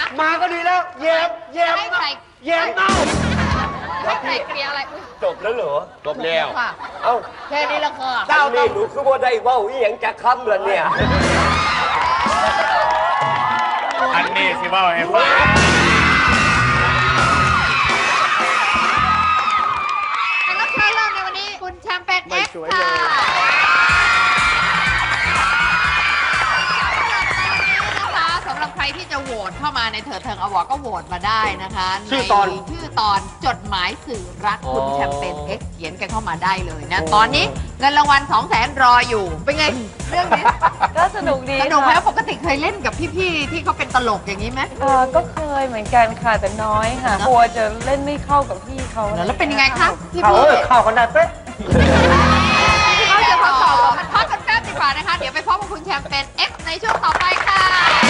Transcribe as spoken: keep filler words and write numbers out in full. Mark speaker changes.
Speaker 1: มาก็ดีแล้วแยมแยม
Speaker 2: ให้ใคร
Speaker 1: แยมเน่า
Speaker 2: ให้ใครเคลียร์อะไรอุ๊ย
Speaker 3: จบแล้วเหรอ
Speaker 4: จบแล้ว
Speaker 2: ค่ะ
Speaker 3: เอ้า
Speaker 2: แค่นี้ละค่ะ
Speaker 3: เจ้านี่หนูคือว่าได้เว้าอีหยังจากคำเหรอเนี่ย
Speaker 4: อันนี้สิว่าให้ฟัง
Speaker 2: แขกรับเชิญเริ่มในวันนี้คุณแชมเปญเอ็กซ์ค่ะสำหรับใครที่จะโหวตเข้ามาในเถิดเทิงอวอร์ดก็โหวตมาได้นะคะชื่อตอนชื่อตอนจดหมายสื่อรักคุณแชมเปญเอ็กซ์เขียนกันเข้ามาได้เลยนะตอนนี้เงินรางวัลสองแสนรออยู่เป็นไงเรื่องนี้
Speaker 5: ก็สนุกดี
Speaker 2: สนุกไหม
Speaker 5: ค่ะ
Speaker 2: ปกติเคยเล่นกับพี่ๆที่เขาเป็นตลกอย่างนี้ไหม
Speaker 5: เออก็เคยเหมือนกันค่ะแต่น้อยค่ะกลัวจะเล่นไม่เข้ากับพี่เขา
Speaker 2: แล้วเป็นยังไงคะพี่
Speaker 1: เขา
Speaker 2: พี่
Speaker 1: เออเข้ากันได้เป๊ะ
Speaker 2: เขาจะทดสอบพักกันแป๊บดีกว่านะคะ เดี๋ยวไปพบกับคุณแชมเปญ X ในช่วงต่อไปค่ะ